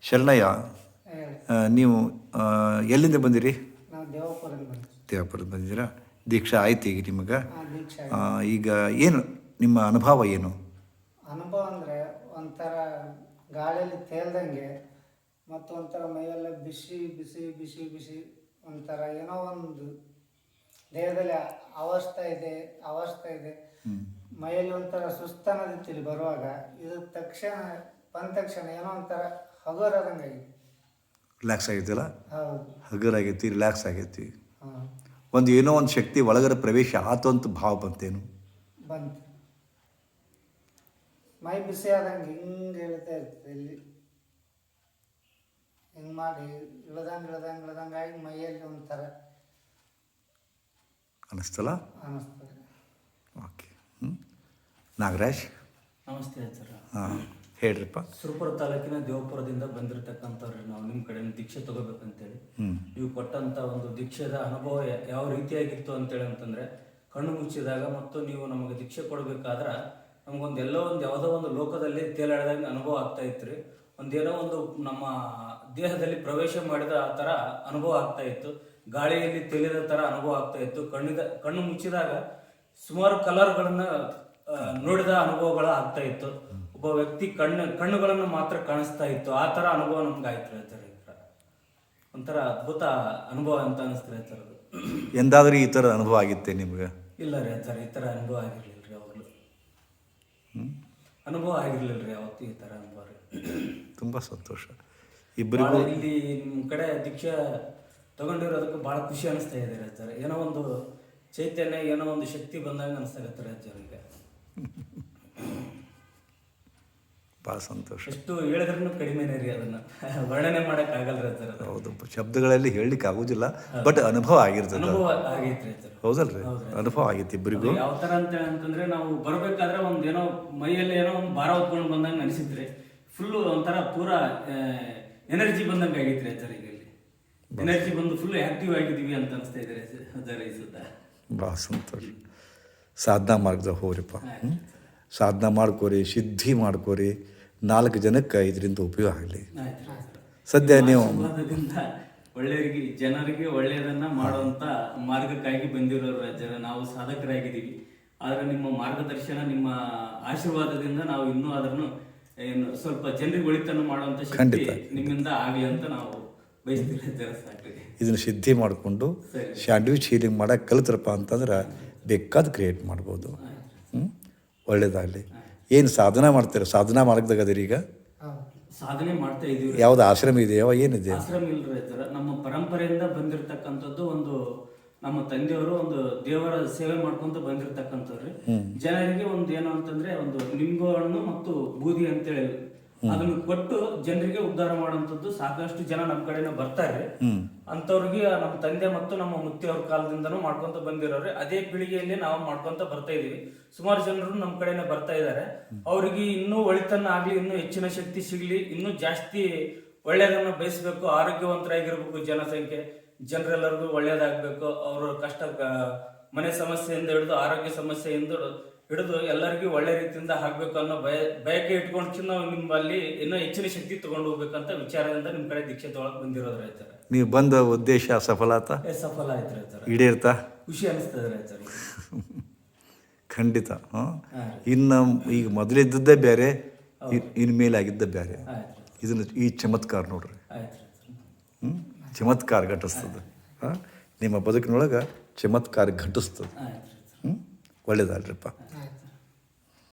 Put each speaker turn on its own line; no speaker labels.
ಶರಣಯ್ಯ, ನೀವು ಎಲ್ಲಿಂದ ಬಂದಿರಿ?
ನಾವು ದೇವಪುರದಿಂದ ಬಂದ್ವಿ.
ದೇವಪುರದ ಬಂದಿದ್ದೀರಾ? ದೀಕ್ಷಾ ಆಯ್ತು ಈಗ ನಿಮಗೆ?
ದೀಕ್ಷೆ
ಈಗ ಏನು ನಿಮ್ಮ ಅನುಭವ ಏನು?
ಅನುಭವ ಅಂದರೆ ಒಂಥರ ಗಾಳಿಯಲ್ಲಿ ತೇಲ್ದಂಗೆ ಮತ್ತು ಒಂಥರ ಮೈಯೆಲ್ಲ ಬಿಸಿ ಬಿಸಿ ಬಿಸಿ ಬಿಸಿ ಒಂಥರ ಏನೋ ಒಂದು ದೇಹದಲ್ಲಿ ಅವಸ್ಥೆ ಇದೆ. ಮೈಯಲ್ಲಿ ಒಂಥರ ಸುಸ್ತನದಿತ್ತು ಇಲ್ಲಿ ಬರುವಾಗ. ಇದು ಬಂದ ತಕ್ಷಣ ಏನೋ ಒಂಥರ ಹಗುರಾದಂಗಾಗಿದೆ.
ರಿಲ್ಯಾಕ್ಸ್ ಆಗೈತಿಲ್ಲ?
ಹೌದು,
ಹಗುರಾಗೈತಿ, ರಿಲ್ಯಾಕ್ಸ್ ಆಗೈತಿ.
ಹಾಂ,
ಒಂದು ಏನೋ ಒಂದು ಶಕ್ತಿ ಒಳಗಡೆ ಪ್ರವೇಶ ಆತು ಅಂತ ಭಾವ ಬಂತೇನು?
ಬಂತು. ಮೈ ಬಿಸಿ ಆದಂಗೆ ಹಿಂಗೆ ಹೇಳ್ತಾ ಇರ್ತದೆ. ಇಲ್ಲಿ ಹಿಂಗೆ ಮಾಡಿ ಇಳ್ದಂಗೆ ಆಗಿ ಮೈಯಲ್ಲಿ ಒಂಥರ
ಅನ್ನಿಸ್ತಲ್ಲ?
ಅನ್ನಿಸ್ತದೆ.
ಓಕೆ. ನಾಗರಾಜ್,
ನಮಸ್ತೆ ಸರ್.
ಹಾಂ, ಹೇಳ್ರಿಪ್ಪ.
ಸುರಪುರ ತಾಲೂಕಿನ ದೇವಪುರದಿಂದ ಬಂದಿರತಕ್ಕಂಥವ್ರಿ. ನಾವು ನಿಮ್ಮ ಕಡೆ ದೀಕ್ಷೆ ತಗೋಬೇಕಂತೇಳಿ ನೀವು ಕೊಟ್ಟಂಥ ಒಂದು ದೀಕ್ಷೆದ ಅನುಭವ ಯಾವ ರೀತಿಯಾಗಿತ್ತು ಅಂತೇಳಿ ಅಂತಂದರೆ, ಕಣ್ಣು ಮುಚ್ಚಿದಾಗ ಮತ್ತು ನೀವು ನಮಗೆ ದೀಕ್ಷೆ ಕೊಡಬೇಕಾದ್ರೆ ನಮಗೊಂದು ಯಾವುದೋ ಒಂದು ಲೋಕದಲ್ಲಿ ತೇಲಾಡಿದಾಗ ಅನುಭವ ಆಗ್ತಾ ಇತ್ತು ರೀ. ಒಂದೇನೋ ಒಂದು ನಮ್ಮ ದೇಹದಲ್ಲಿ ಪ್ರವೇಶ ಮಾಡಿದ ಆ ಥರ ಅನುಭವ ಆಗ್ತಾ ಇತ್ತು. ಗಾಳಿಯಲ್ಲಿ ತೇಲಿದ ಥರ ಅನುಭವ ಆಗ್ತಾ ಇತ್ತು. ಕಣ್ಣು ಮುಚ್ಚಿದಾಗ ಸುಮಾರು ಕಲರ್ಗಳನ್ನು ನೋಡಿದ ಅನುಭವಗಳು ಆಗ್ತಾ ಇತ್ತು. ಒಬ್ಬ ವ್ಯಕ್ತಿ ಕಣ್ಣುಗಳನ್ನು ಮಾತ್ರ ಕಾಣಿಸ್ತಾ ಇತ್ತು. ಆ ಥರ ಅನುಭವ ನಮ್ಗೆ ಆಯ್ತು ಹೇಳ್ತಾರೆ. ಒಂಥರ ಅದ್ಭುತ ಅನುಭವ ಅಂತ ಅನಿಸ್ತಾರೆ ಸರ್. ಅದು
ಎಂದಾದ್ರೂ ಈ ಥರ ಅನುಭವ ಆಗಿತ್ತೆ ನಿಮ್ಗೆ?
ಇಲ್ಲ ರೀ ಸರ್, ಈ ಥರ ಅನುಭವ ಆಗಿರ್ಲಿಲ್ಲ ರೀ ಯಾವಾಗಲೂ. ಅನುಭವ ಆಗಿರ್ಲಿಲ್ಲ ರೀ ಯಾವತ್ತೂ ಈ ಥರ ಅನುಭವ ರೀ.
ತುಂಬ ಸಂತೋಷ. ಇಬ್ಬರಿಗೂ
ಇಲ್ಲಿ ನಿಮ್ಮ ಕಡೆ ದೀಕ್ಷೆ ತಗೊಂಡಿರೋದಕ್ಕೆ ಭಾಳ ಖುಷಿ ಅನಿಸ್ತಾ ಇದೆ ಸರ್. ಏನೋ ಒಂದು ಚೈತನ್ಯ, ಏನೋ ಒಂದು ಶಕ್ತಿ ಬಂದಂಗೆ ಅನಿಸ್ತಾ ಇರ್ತಾರೆ ಅಜ್ಜರಿಗೆ.
ಭಾಳ ಸಂತೋಷ.
ಎಷ್ಟು ಹೇಳಿದ್ರೂ ಕಡಿಮೆನೇ ರೀ, ಅದನ್ನು ವರ್ಣನೆ ಮಾಡೋಕ್ಕಾಗಲ್ಲ ಸರ್.
ಹೌದು, ಶಬ್ದಗಳಲ್ಲಿ ಹೇಳಲಿಕ್ಕೆ ಆಗೋದಿಲ್ಲ, ಬಟ್ ಅನುಭವ ಆಗಿರ್ತದೆ.
ಅನುಭವ ಆಗೈತ್ರಿ ಸರ್.
ಹೌದಲ್ರಿ? ಅನುಭವ ಆಗೈತಿ ಇಬ್ಬರಿಗೂ.
ಯಾವ ಥರ ಅಂತಂದ್ರೆ, ನಾವು ಬರಬೇಕಾದ್ರೆ ಒಂದು ಏನೋ ಮೈಯಲ್ಲಿ ಏನೋ ಒಂದು ಭಾರ ಹೊತ್ಕೊಂಡು ಬಂದಂಗೆ ಅನಿಸಿದ್ರಿ. ಫುಲ್ಲು ಒಂಥರ ಪೂರಾ ಎನರ್ಜಿ ಬಂದಂಗೆ ಆಗೈತ್ರಿ ಸರ್. ಈಗ ಇಲ್ಲಿ ಎನರ್ಜಿ ಬಂದು ಫುಲ್ ಆ್ಯಕ್ಟಿವ್ ಆಗಿದ್ದೀವಿ ಅಂತ ಅನಿಸ್ತಾ ಇದ್ದಾರೆ ಸರ್ ಈ ಸುತ್ತ. ಭಾಳ
ಸಂತೋಷ. ಸಾಧನಾ ಮಾರ್ಗದಾಗ ಹೋಗ್ರಿಪ್ಪ. ಸಾಧನಾ ಮಾಡ್ಕೋರಿ, ಸಿದ್ಧಿ ಮಾಡ್ಕೋರಿ. 4 ಜನಕ್ಕೆ ಇದರಿಂದ ಉಪಯೋಗ ಆಗಲಿ. ಸದ್ಯ ನೀವು
ಒಳ್ಳೆಯವರಿಗೆ, ಜನರಿಗೆ ಒಳ್ಳೆಯದನ್ನ ಮಾಡುವಂತ ಮಾರ್ಗಕ್ಕಾಗಿ ಬಂದಿರೋರು ಜನ ನಾವು ಸಾಧಕರಾಗಿದ್ದೀವಿ. ಆದರೆ ನಿಮ್ಮ ಮಾರ್ಗದರ್ಶನ, ನಿಮ್ಮ ಆಶೀರ್ವಾದದಿಂದ ನಾವು ಇನ್ನೂ ಅದನ್ನು ಏನು ಸ್ವಲ್ಪ ಜನರಿಗೆ ಒಳಿತನ್ನು ಮಾಡುವಂತ ಶಕ್ತಿ ನಿಮ್ಮಿಂದ ಆಗಲಿ ಅಂತ ನಾವು ಬಯಸ್ತೀವಿ ಜನ. ಸಾಕ್ರಿ,
ಇದನ್ನು ಸಿದ್ಧಿ ಮಾಡಿಕೊಂಡು ಸ್ಯಾಂಡ್ವಿಚ್ ಹೀಲಿಂಗ್ ಮಾಡೋಕೆ ಕಲಿತ್ರಪ್ಪ ಅಂತಂದ್ರೆ ಬೇಕಾದ ಕ್ರಿಯೇಟ್ ಮಾಡ್ಬೋದು. ಒಳ್ಳೇದಾಗಲಿ. ಏನು ಸಾಧನ ಮಾಡ್ತೀರ? ಸಾಧನಾ ಮಾರ್ಗದಾಗ ಅದೀರಿ ಈಗ?
ಸಾಧನೆ ಮಾಡ್ತಾ ಇದೀವಿ.
ಯಾವ್ದು ಆಶ್ರಮ ಇದೆಯೋ ಏನಿದೆ?
ಆಶ್ರಮ ಇಲ್ರಿ ಸರ್. ನಮ್ಮ ಪರಂಪರೆಯಿಂದ ಬಂದಿರತಕ್ಕಂಥದ್ದು ಒಂದು, ನಮ್ಮ ತಂದೆಯವರು ಒಂದು ದೇವರ ಸೇವೆ ಮಾಡ್ಕೊಂತ ಬಂದಿರತಕ್ಕಂಥವ್ರಿ. ಜನರಿಗೆ ಒಂದು ಏನು ಅಂತಂದ್ರೆ, ಒಂದು ನಿಂಬು ಹಣ್ಣು ಮತ್ತು ಬೂದಿ ಅಂತೇಳಿ ಅದನ್ನು ಕೊಟ್ಟು ಜನರಿಗೆ ಉದ್ಧಾರ ಮಾಡುವಂಥದ್ದು ಸಾಕಷ್ಟು ಜನ ನಮ್ಮ ಕಡೆನ ಬರ್ತಾರೆ. ಅಂತವ್ರಿಗೆ ನಮ್ಮ ತಂದೆ ಮತ್ತು ನಮ್ಮ ಮುತ್ತಿಯವ್ರ ಕಾಲದಿಂದನೂ ಮಾಡ್ಕೊಂತ ಬಂದಿರೋರು. ಅದೇ ಪೀಳಿಗೆಯಲ್ಲಿ ನಾವು ಮಾಡ್ಕೊಂತ ಬರ್ತಾ ಇದೀವಿ. ಸುಮಾರು ಜನರು ನಮ್ಮ ಕಡೆನೆ ಬರ್ತಾ ಇದ್ದಾರೆ. ಅವ್ರಿಗೆ ಇನ್ನೂ ಒಳಿತನ್ನ ಆಗ್ಲಿ, ಇನ್ನೂ ಹೆಚ್ಚಿನ ಶಕ್ತಿ ಸಿಗ್ಲಿ, ಇನ್ನೂ ಜಾಸ್ತಿ ಒಳ್ಳೆಯದನ್ನ ಬಯಸ್ಬೇಕು, ಆರೋಗ್ಯವಂತರಾಗಿರ್ಬೇಕು. ಜನರೆಲ್ಲರಿಗೂ ಒಳ್ಳೇದಾಗಬೇಕು. ಅವರ ಕಷ್ಟ, ಮನೆ ಸಮಸ್ಯೆಯಿಂದ ಹಿಡಿದು ಆರೋಗ್ಯ ಸಮಸ್ಯೆಯಿಂದ ಹಿಡಿದು ಎಲ್ಲರಿಗೂ ಒಳ್ಳೆ ರೀತಿಯಿಂದ ಆಗ್ಬೇಕು ಅನ್ನೋ ಬಯಕೆ ಇಟ್ಕೊಂಡು ನಾವು ನಿಮ್ಮಲ್ಲಿ ಇನ್ನೂ ಹೆಚ್ಚಿನ ಶಕ್ತಿ ತಗೊಂಡು ಹೋಗ್ಬೇಕಂತ ವಿಚಾರದಿಂದ ನಿಮ್ಮ ಕಡೆ ದೀಕ್ಷೆ ತೊಗೊಳಕ್ ಬಂದಿರೋದು ರೈತರ.
ನೀವು ಬಂದ ಉದ್ದೇಶ ಸಫಲ
ಆಯ್ತು ರೈತರ.
ಈಡೇರ್ತಾ? ಖುಷಿ
ಅನಿಸ್ತದೆ ರೈತರ.
ಖಂಡಿತ. ಇನ್ನು ಈಗ ಮೊದಲಿದ್ದದ್ದೇ ಬೇರೆ, ಇನ್ನು ಮೇಲಾಗಿದ್ದ ಬೇರೆ. ಇದನ್ನು ಈ ಚಮತ್ಕಾರ ನೋಡ್ರಿ. ಚಮತ್ಕಾರ ಘಟಿಸ್ತದೆ. ನಿಮ್ಮ ಬದುಕಿನೊಳಗೆ ಚಮತ್ಕಾರ ಘಟಿಸ್ತದೆ. ಒಳ್ಳೇದಲ್ರಿಪ್ಪ.